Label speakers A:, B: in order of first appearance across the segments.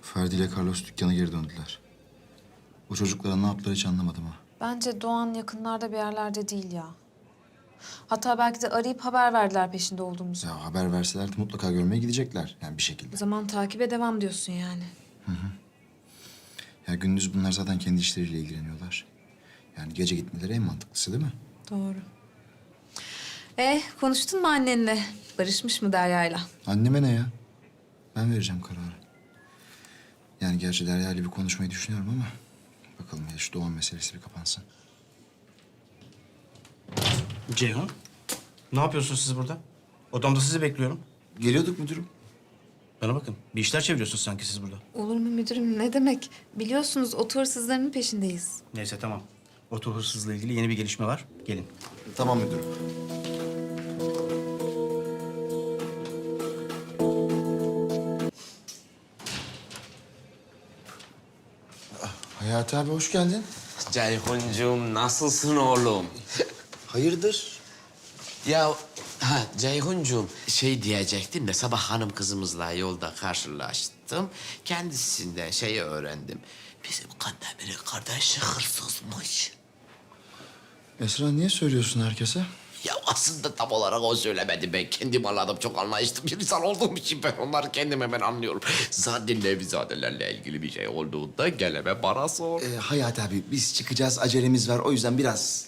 A: Ferdi ile Carlos dükkana geri döndüler. O çocuklara ne yaptılar hiç anlamadım ha.
B: Bence Doğan yakınlarda bir yerlerde değil ya. Hatta belki de arayıp haber verdiler peşinde olduğumuzu.
A: Ya haber verseler de mutlaka görmeye gidecekler yani bir şekilde.
B: O zaman takibe devam diyorsun yani.
A: Ya gündüz bunlar zaten kendi işleriyle ilgileniyorlar. Yani gece gitmeleri en mantıklısı değil mi?
B: Doğru. Konuştun mu annenle? Barışmış mı Derya'yla?
A: Anneme ne ya? Ben vereceğim kararı. Yani gerçi Derya ile bir konuşmayı düşünüyorum ama... bakalım ya şu Doğan meselesi bir kapansın.
C: Ceyhun, ne yapıyorsunuz siz burada? Odamda sizi bekliyorum.
A: Geliyorduk müdürüm.
C: Bana bakın, bir işler çeviriyorsunuz sanki siz burada.
B: Olur mu müdürüm? Ne demek? Biliyorsunuz oto hırsızlarının peşindeyiz.
C: Neyse tamam. Oto hırsızlığı ilgili yeni bir gelişme var. Gelin.
A: Tamam müdürüm. Hayati abi hoş geldin.
D: Ceyhuncuğum nasılsın oğlum?
A: Hayırdır?
D: Ya Ceyhuncuğum şey diyecektim de sabah hanım kızımızla yolda karşılaştım. Kendisinden şeyi öğrendim. Bizim Kandemir'in kardeşi hırsızmış.
A: Esra niye söylüyorsun herkese?
D: Ya aslında tam olarak o söylemedi. Ben kendim anladım. Çok anlayışlı bir insan olduğum için ben onları kendim hemen anlıyorum. Zaten Nevizadelerle ilgili bir şey olduğunda geleme bana sor.
A: Hayati abi biz çıkacağız acelemiz var o yüzden biraz...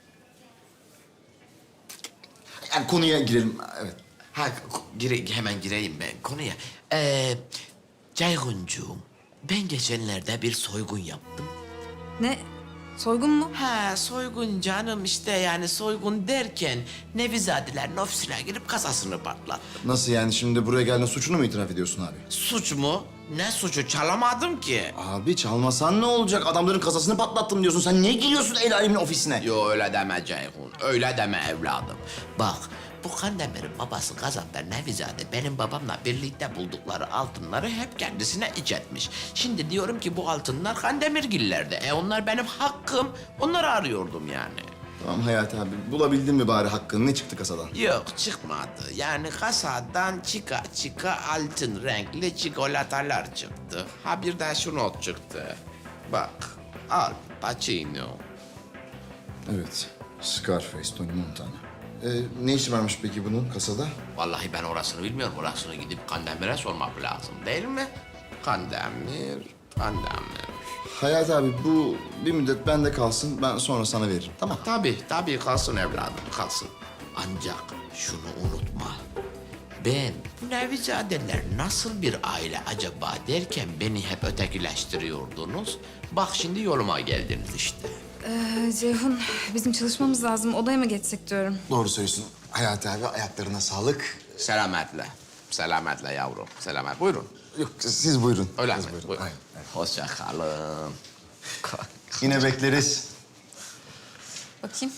A: Yani konuya girelim evet.
D: Hemen gireyim ben konuya. Ceyhuncuğum, ben geçenlerde bir soygun yaptım.
B: Ne? Soygun mu?
D: Soygun canım işte yani soygun derken Nevizadeler'in ofisine girip kasasını patlattım.
A: Nasıl yani şimdi buraya geldiğinde suçunu mu itiraf ediyorsun abi?
D: Suç mu? Ne suçu? Çalamadım ki.
A: Abi çalmasan ne olacak? Adamların kasasını patlattım diyorsun. Sen niye giriyorsun el alemin ofisine?
D: Yo öyle deme Ceyhun, öyle deme evladım. Bak, bu Kandemir'in babası Gazap'ta Nevizade benim babamla birlikte buldukları altınları hep kendisine iç etmiş. Şimdi diyorum ki bu altınlar Kandemirgillerde. Onlar benim hakkım. Onları arıyordum yani.
A: Tamam Hayati abi bulabildin mi bari hakkını? Ne çıktı kasadan?
D: Yok çıkmadı. Yani kasadan çıka altın renkli çikolatalar çıktı. Ha bir de şu not çıktı. Bak, Al Pacino.
A: Evet. Scarface, Tony Montana. Ne işi varmış peki bunun kasada?
D: Vallahi ben orasını bilmiyorum. Orasını gidip Kandemir'e sormak lazım değil mi? Kandemir.
A: Hayati abi bu bir müddet bende kalsın. Ben sonra sana veririm. Tamam.
D: Tabii kalsın evladım, kalsın. Ancak şunu unutma. Ben bu Nevizadeler nasıl bir aile acaba derken beni hep ötekileştiriyordunuz. Bak şimdi yoluma geldiniz işte.
B: Ceyhun, bizim çalışmamız lazım. Odaya mı geçsek diyorum.
A: Doğru söylüyorsun. Hayati abi ayaklarına sağlık.
D: Selametle. Selametle yavrum. Selamet. Buyurun.
A: Yok siz buyurun.
D: Öyle
A: Siz
D: mi?
A: buyurun.
D: Buyurun.
A: Aynen, aynen.
D: Hoşça kalın.
A: Yine bekleriz.
B: Bakayım.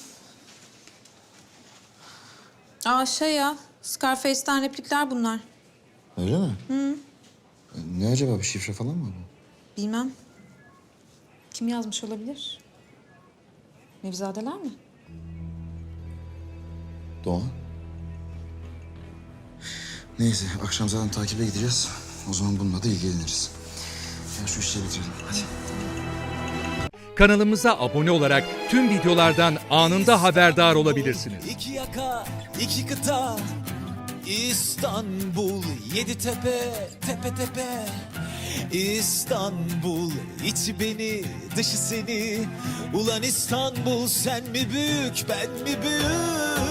B: Ya, Scarface'ten replikler bunlar.
A: Öyle mi? Hı. Ne acaba bir şifre falan mı bu?
B: Bilmem. Kim yazmış olabilir? Nevizadeler mi?
A: Doğan. Neyse akşam zaten takibe gideceğiz. O zaman bununla da ilgileniriz. Ya şu işleri bitirelim hadi.
E: Kanalımıza abone olarak tüm videolardan anında haberdar olabilirsiniz.
F: İki yaka, iki kıta, İstanbul, yedi tepe, tepe tepe. İstanbul, içi beni, dışı seni. Ulan İstanbul, sen mi büyük, ben mi büyük?